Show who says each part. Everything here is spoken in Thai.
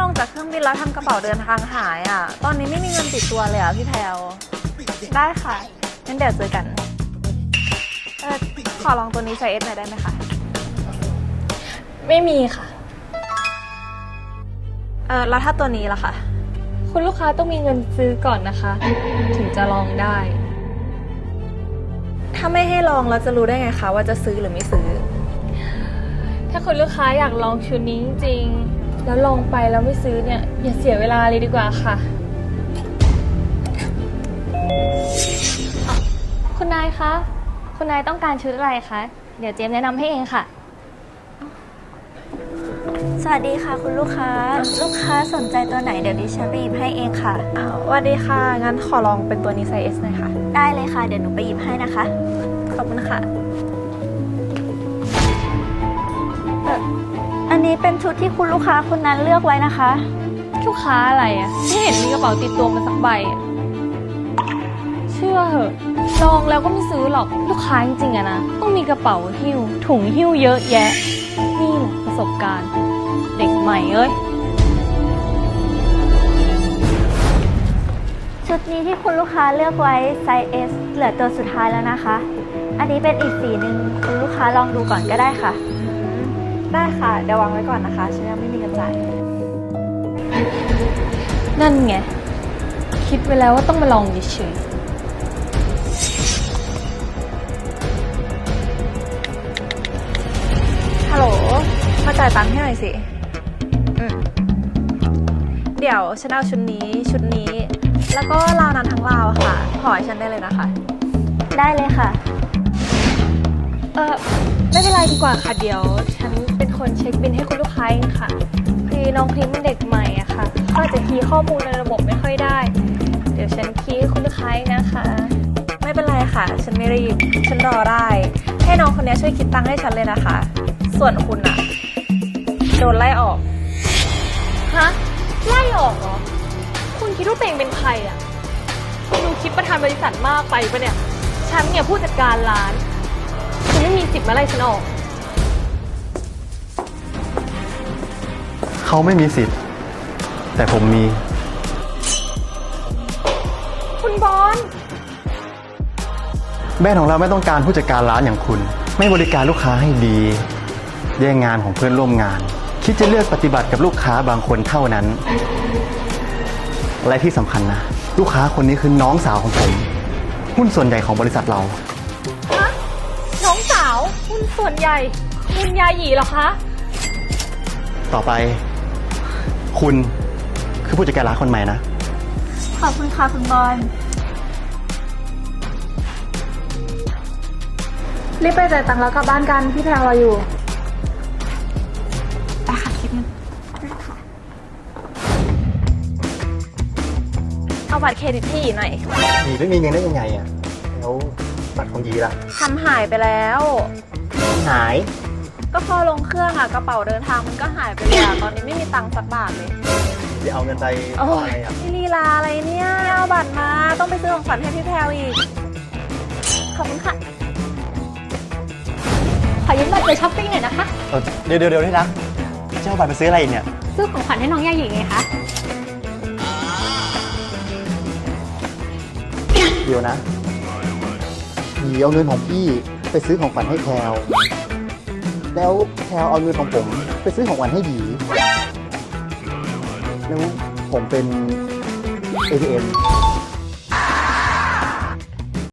Speaker 1: งจากเครื่องบินแล้วทำกระเป๋าเดินทางหายอ่ะตอนนี้ไม่มีเงินติดตัวเลยอ่ะพี่แพลวได้ค่ะงั้นเดี๋ยวเจอกันขอลองตัวนี้ไซส์ S หน่อยได้ไหมคะ
Speaker 2: ไม่มีค่ะ
Speaker 1: แล้วถ้าตัวนี้ล่ะคะ
Speaker 2: คุณลูกค้าต้องมีเงินซื้อก่อนนะคะถึงจะลองได้
Speaker 1: ถ้าไม่ให้ลองเราจะรู้ได้ไงคะว่าจะซื้อหรือไม่ซื้อ
Speaker 2: ถ้าคุณลูกค้าอยากลองชุดนี้จริงๆแล้วลองไปแล้วไม่ซื้อเนี่ยอย่าเสียเวลาเลยดีกว่าค่ะคุณนายคะคุณนายต้องการชุดอะไรคะเดี๋ยวเจมแนะนำให้เองค่ะ
Speaker 3: สวัสดีค่ะคุณลูกค้าสนใจตัวไหนเดี๋ยวดิฉันไปหยิบให้เองค่ะ
Speaker 1: สวัสดีค่ะงั้นขอลองเป็นตัวนี้ไซส์ S หน่อยค่ะ
Speaker 3: ได้เลยค่ะเดี๋ยวหนูไปหยิบให้นะคะ
Speaker 1: ขอบคุณค่ะ
Speaker 3: อันนี้เป็นชุดที่คุณลูกค้าคนนั้นเลือกไว้นะคะ
Speaker 2: ลูกค้าอะไรอ่ะไม่เห็นมีกระเป๋าติดตัวมาสักใบเชื่อเหอะลองแล้วก็ไม่ซื้อหรอกลูกค้าจริงๆอะนะต้องมีกระเป๋าหิ้วถุงหิ้วเยอะแยะนี่แหละประสบการณ์เด็กใหม่เอ้ย
Speaker 3: ชุดนี้ที่คุณลูกค้าเลือกไว้ไซส์ S เหลือตัวสุดท้ายแล้วนะคะอันนี้เป็นอีกสีหนึ่งคุณลูกค้าลองดูก่อนก็ได้ค่ะ
Speaker 1: ได้ค่ะเดี๋ยววางไว้ก่อนนะคะฉันยังไม่มีเงินจ่าย
Speaker 2: นั่นไงคิดไว้แล้วว่าต้องมาลองเฉย
Speaker 1: ฮัลโหลมาจ่ายตังค์ให้หน่อยสิเดี๋ยวฉันเอาชุดนี้แล้วก็ราวนั้นทั้งราวค่ะขอให้ฉันได้เลยนะคะ
Speaker 3: ได้เลยค่ะ
Speaker 2: ไม่เป็นไรดีกว่าค่ะเดี๋ยวฉันเป็นคนเช็คบิลให้คุณลูกค้าเองค่ะคือน้องครีมเป็นเด็กใหม่อะค่ะก็อาจจะคีย์ข้อมูลในระบบไม่ค่อยได้เดี๋ยวฉันคีย์ให้คุณลูกค้านะคะ
Speaker 1: ไม่เป็นไรค่ะฉันไม่รีบฉันรอได้ให้น้องคนนี้ช่วยคิดตังค์ให้ฉันเลยนะคะส่วนคุณอะโดนไล่ออก
Speaker 2: ฮะไล่ออกเหรอคุณคิดว่าตัวเองเป็นใครอะคุณดูคิดประธานบริษัทมากไปปะเนี่ยฉันเนี่ยผู้จัดการร้านคุณไม่มีสิทธิ์มาไล่ฉันออก
Speaker 4: เขาไม่มีสิทธิ์แต่ผมมี
Speaker 2: คุณบอล
Speaker 4: แบรนด์ของเราไม่ต้องการผู้จัดการร้านอย่างคุณไม่บริการลูกค้าให้ดีแย่งงานของเพื่อนร่วมงานคิดจะเลือกปฏิบัติกับลูกค้าบางคนเท่านั้นและที่สำคัญนะลูกค้าคนนี้คือน้องสาวของผมหุ้นส่วนใหญ่ของบริษัทเรา
Speaker 2: ฮะน้องสาวหุ้นส่วนใหญ่คุณยาหยีเหรอคะ
Speaker 4: ต่อไปคุณคือผู้จัดการร้านคนใหม่นะ
Speaker 3: ขอบคุณค่ะคุณบอล
Speaker 1: รีบไปจ่ายตังค์แล้วกลับบ้านกันพี่แพรรออยู่
Speaker 3: ไปค่ะคิดเงินค่ะ
Speaker 1: เอาบัตรเครดิตที่หน่อย
Speaker 4: หยีไม่มีเงินได้ยังไงอ่ะแล้วบัตรของหยีล่ะ
Speaker 1: ทำหายไปแล้ว
Speaker 4: หาย
Speaker 1: ก็พอลงเครื่องอะกระเป๋าเดินทางมันก็หายไปเลยอะตอนนี้ไม่มีตังค์สักบาทเลย
Speaker 4: จะเอาเงินไปอะไรอ่ะ
Speaker 1: พี่ลีลาอะไรเนี่ยเอาบัตรมาต้องไปซื้อของขวัญให้พี่แพรวอีกขอบคุณค่ะ
Speaker 2: ขอยืมบัตรไปช้อปปิ้งหน่อยนะคะ
Speaker 4: เดี๋ยวที่รักจะเอาบัตรไปซื้ออะไรอีกเนี่ย
Speaker 2: ซื้อของขวัญให้น้องยาหยีไงคะ
Speaker 4: เดี๋ยวนะหยีเอาเงินของพี่ไปซื้อของขวัญให้แพรวแล้วแพรวเอาเงินของผมไปซื้อของขวัญให้หยีแล้วผมเป็น ATM